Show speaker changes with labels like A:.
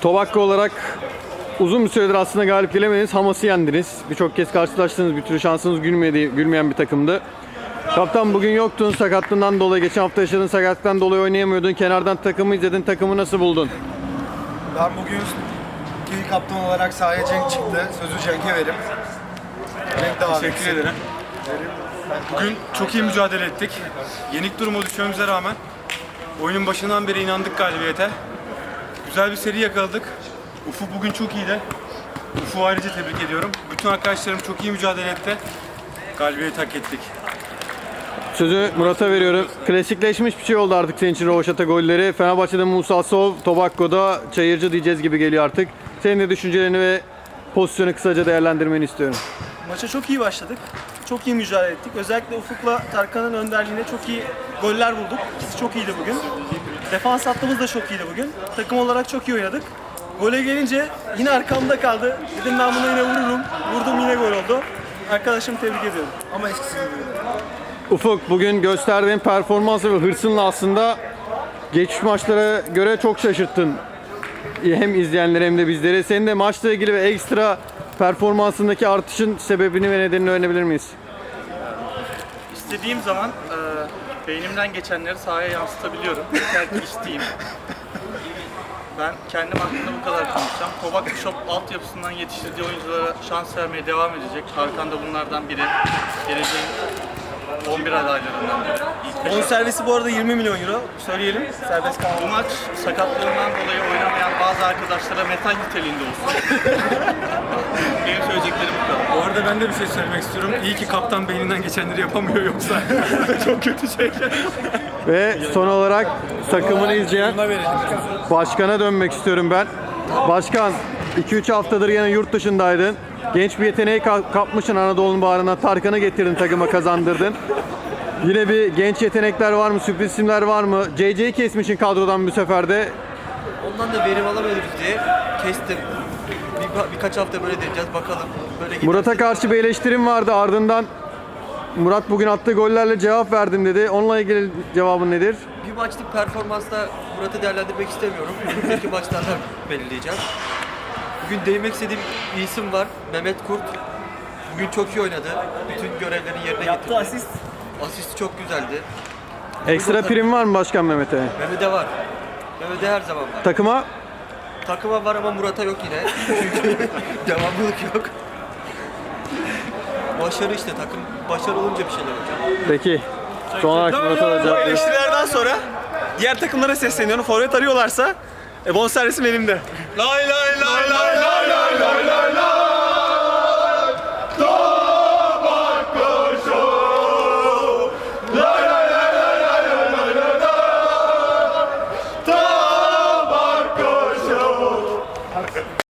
A: Tobacco olarak uzun bir süredir aslında galip gelemediniz. Hamas'ı yendiniz. Birçok kez karşılaştınız. Bir türlü şansınız gülmeyen bir takımdı. Kaptan bugün yoktun sakatlığından dolayı. Geçen hafta yaşadığın sakatlıktan dolayı oynayamıyordun. Kenardan takımı izledin. Takımı nasıl buldun?
B: Ben bugün ikinci kaptan olarak sahaya Cenk çıktı. Sözü Cenk'e verim. Cenk devam etsin.
C: Teşekkür ederim. Bugün çok iyi mücadele ettik. Yenik duruma düşmemize rağmen oyunun başından beri inandık galibiyete. Güzel bir seri yakaladık. Ufuk bugün çok iyiydi. Ufuk'u ayrıca tebrik ediyorum. Bütün arkadaşlarım çok iyi mücadele etti. Galibiyeti hak ettik.
A: Sözü Murat'a veriyorum. Klasikleşmiş bir şey oldu artık senin için Rovaşata golleri. Fenerbahçe'de Musa Sov, Tobacco'da Çayırcı diyeceğiz gibi geliyor artık. Senin de düşüncelerini ve pozisyonu kısaca değerlendirmeni istiyorum.
D: Maça çok iyi başladık. Çok iyi mücadele ettik. Özellikle Ufuk'la Tarkan'ın önderliğinde çok iyi goller bulduk. İkisi çok iyiydi bugün. Defans hattımız da çok iyiydi bugün. Takım olarak çok iyi oynadık. Gole gelince yine arkamda kaldı. Dedim ben bunu yine vururum. Vurdum, yine gol oldu. Arkadaşımı tebrik ediyorum.
B: Ama eskisi gibi.
A: Ufuk, bugün gösterdiğin performansı ve hırsınla aslında geçmiş maçlara göre çok şaşırttın. Hem izleyenleri hem de bizleri. Senin de maçla ilgili ve ekstra performansındaki artışın sebebini ve nedenini öğrenebilir miyiz?
E: İstediğim zaman beynimden geçenleri sahaya yansıtabiliyorum. Yeter ki isteyeyim. Ben kendim hakkında bu kadar konuşacağım. Tobacco Shop altyapısından yetiştirdiği oyunculara şans vermeye devam edecek. Hakan da bunlardan biri. Geleceğin 11 adaylarından biri. İlk beş
D: Bonservisi bu arada 20 milyon euro. Söyleyelim. Serbest
E: Bu
D: kalma.
E: maç sakatlığından dolayı oynamayan bazı arkadaşlara metal niteliğinde olsun. Benim söyleyeceklerim bu kadar.
C: Bu arada ben de bir şey söylemek istiyorum. İyi ki kaptan beyninden geçenleri yapamıyor yoksa çok kötü şeyler.
A: Ve son olarak takımını izleyen başkana dönmek istiyorum ben. Başkan, 2-3 haftadır yine yurt dışındaydın. Genç bir yeteneği kapmışsın Anadolu'nun bağrına. Tarkan'ı getirdin, takıma kazandırdın. Yine bir genç yetenekler var mı? Sürpriz isimler var mı? JJ'yi kesmişsin kadrodan bu sefer de.
F: Ondan da verim alamıyoruz diye kestim. Birkaç hafta böyle deneyeceğiz bakalım. Böyle giderse-
A: Murat'a karşı bir eleştirim vardı, ardından Murat bugün attığı gollerle cevap verdim dedi. Onunla ilgili cevabın nedir?
F: Bir maçlık performansla Murat'ı değerlendirmek istemiyorum. Önümüzdeki maçlarda belirleyeceğim. Bugün değinmek istediğim bir isim var. Mehmet Kurt. Bugün çok iyi oynadı. Bütün görevlerini yerine getirdi.
D: asist.
F: Asisti çok güzeldi.
A: Ekstra prim var mı Başkan Mehmet'e?
F: Mehmet'e var. Mehmet'e her zaman var.
A: Takıma
F: Takıma var ama Murat'a yok yine. Çünkü devamlılık yok. Başarı işte, takım başarı olunca bir şeyler olacak.
A: peki. Son olarak Murat'a da
D: Bu
A: cevap verin.
D: eleştirilerden sonra diğer takımlara sesleniyorum. Forvet arıyorlarsa bonservisim elimde.
C: Lay lay lay lay lay lay lay lay.